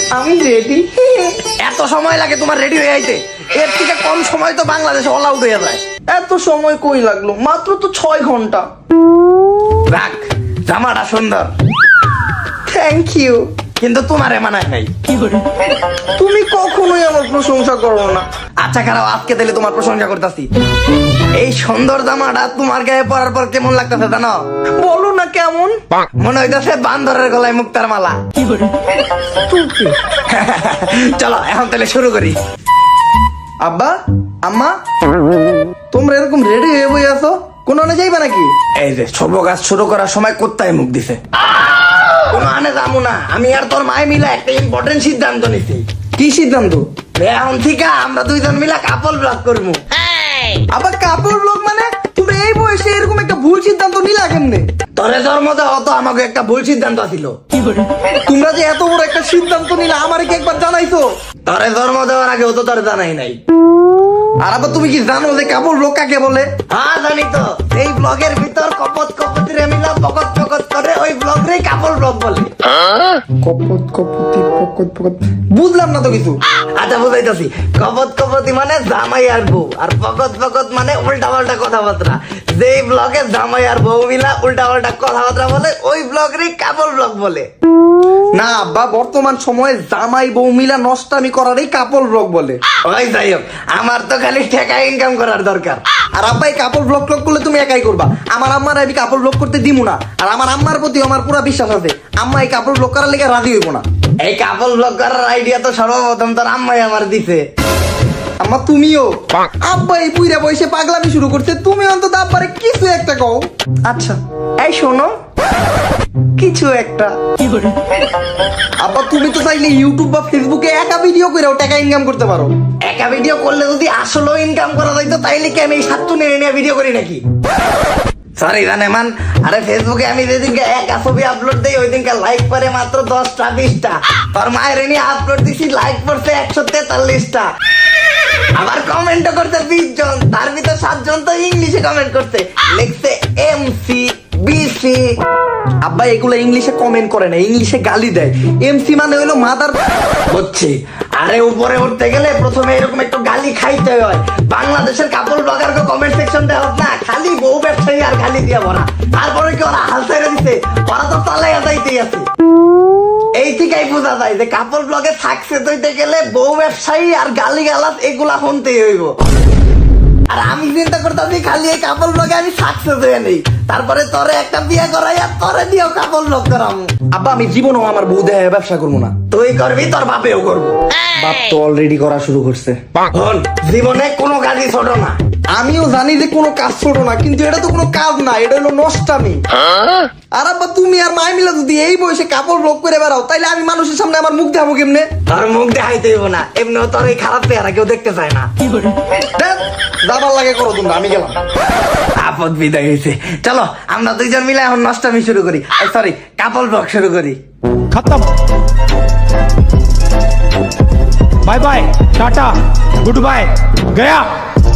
আমি রেডি। এত সময় লাগে তোমার রেডি হয়ে আইতে? এর থেকে কম সময় তো বাংলাদেশে অল আউট হয়ে যায়। এত সময় কই লাগলো? মাত্র তো 6 ঘন্টা। রাখ, জামাটা সুন্দর, থ্যাংক ইউ। কিন্তু তোমারে মানায় নাই। তুমি কখনোই আমার প্রশংসা করো না। আচ্ছা খারাপ, আজকে তাহলে তোমার প্রশংসা করতেছি। এই সুন্দর জামাটা তোমার গায়ে পরার পর কেমন লাগতেছে জানো? বলো না কেমন। মনে হইতেছে বান্দরের গলায় মুক্তার মালা। চলো এখন তাহলে শুরু করি। আব্বা, আম্মা, তোমরা এরকম রেডি হয়ে বই আছো, কোন আনে যাইবা নাকি? এই যে শুভ কাজ শুরু করার সময় কোত্তায় মুখ দিছে। কোনো আনে যাবো না, আমি আর তোর মায় মিলা একটা ইম্পর্টেন্ট সিদ্ধান্ত নিছি। কি সিদ্ধান্ত? এখন থেকে আমরা দুইজন মিলা কাপল ব্লগ করবো। আবার কাপড় লোক মানে? তুমি এই বয়সে এরকম একটা ভুল সিদ্ধান্ত নিলা কেমনে? তোরে জন্ম দেওয়া তো আমাকে একটা ভুল সিদ্ধান্ত ছিল। তোমরা যে এত বড় একটা সিদ্ধান্ত নিলা আমারে কি একবার জানাইছো? তোরে জন্ম দেওয়ার আগে তো তোর জানাই নাই। আর আবার তুমি কি জানো যে কাপড় লোক কাকে বলে? হ্যাঁ জানি তো, এই ব্লগের ভিতর কপত কপতি রে মিলা পকত পকত করে ওই ব্লগ রে কাপল ব্লগ বলে। কপত কপতি পকত পকত বুঝলাম না তো কিছু। আচ্ছা বুঝাইতেছি, কপত কপতি মানে জামাই আর বউ, আর পকত পকত মানে উল্টা পাল্টা কথাবার্তা। যেই ব্লগে জামাই আর বউ মিলা উল্টা পাল্টা কথাবার্তা বলে ওই ব্লগ রে কাপল ব্লগ বলে। না আব্বা, বর্তমান সময়ে জামাই বউ মিলা নষ্টামি করারই কাপড় ব্লগ বলে। ওই যাই হোক, আমার তো খালি টাকা ইনকাম করার দরকার। আর আব্বা এই কাপড় ব্লগ করলে তুমি একাই করবা। আমার আম্মার আমি কাপড় ব্লগ করতে দিমু না। আর আমার আম্মার প্রতি আমার পুরো বিশ্বাস আছে, আম্মা এই কাপড় ব্লগ করার লেগে রাজি হইব না। এই কাপল ব্লগ করার আইডিয়া তো সর্বপ্রথম তোর আম্মাই আমার দিছে। আম্মা তুমিও? আব্বা এই বুইরা বয়সে পাগলামি শুরু করছে, তুমি অন্তত আব্বারে কিছু একটা কও। আচ্ছা এই শোনো, কিছু একটা। আব্বা তুমি তো চাইলে ইউটিউব বা ফেসবুকে একা ভিডিও করেও টাকা ইনকাম করতে পারো। একা ভিডিও করলে যদি আসলেও ইনকাম করা যাইতো তাইলে কি আমি এই সাতটু নিয়ে ভিডিও করি নাকি? সরি জানে মান, আরে ফেসবুকে আমি যেদিনকে একা ছবি আপলোড দেই ওই দিনকে লাইক পরে মাত্র 10টা 20টা। তোর মায়ের নিয়ে আপলোড দিছি, লাইক পড়ছে 143টা। আবার কমেন্টও করছে 20 জন, তার ভিতর 7 জন তো ইংলিশে কমেন্ট করছে, লিখছে এমসি বিসি। আব্বা এগুলো ইংলিশে কমেন্ট করে না, ইংলিশে গালি দেয়। এমসি মানে হইলো মাদার। বুঝছি। আরে উপরে উঠতে গেলে প্রথমে এরকম একটু গালি খাইতে হয়। বাংলাদেশের কাপড় ব্লগার কমেন্ট সেকশন দেওয়া না, খালি বউ ব্যবসায়ী আর গালি দিয়ে ভরা। তারপরে কি ওরা হাল ছেড়ে দিছে? ওরা তো তালাই আদাইতেই আছে। এই থেকেই বোঝা যায় যে কাপড় ব্লগে সাকসেস হইতে গেলে বউ ব্যবসায়ী আর গালি গালাজ এগুলা শুনতেই হইব। আর আমি চিন্তা করতেছি খালি এই কাপড় ব্লগে আমি সাকসেস হয়ে নেই, তারপরে তোরে একটা বিয়ে করাই আর তোরে দিয়েও কাপড় ব্লগ করাম। আব্বা আমি জীবনও আমার বউ দেয় ব্যবসা করবো না। তুই করবি, তোর বাপেও করবো। বাপ তো অলরেডি করা শুরু করছে। হন, জীবনে কোনো কাজই ছোট না। আমিও জানি যে কোনো কাজ ছোট না, কিন্তু এটা তো কোনো কাজ না, এটা হলো নষ্টামি। আর আব্বা তুমি আর মায় মিলা যদি এই বয়সে কাপড় ব্লগ করে বেড়াও তাইলে আমি মানুষের সামনে আমার মুখ দেখাবো কেমনে? তোর মুখ দেখাইতে হইব না, এমনিও তোর এই খারাপ চেহারা কেউ দেখতে চায় না। ধ্যাৎ, যাবার লাগে করো তোমরা, আমি গেলাম। আপদ বিদায় হয়েছে। চলো আমরা দুইজন মিলে এখন নষ্টামি শুরু করি, সরি কাপল ব্লগ শুরু করি। खत्म। Bye bye, tata, good bye, गया।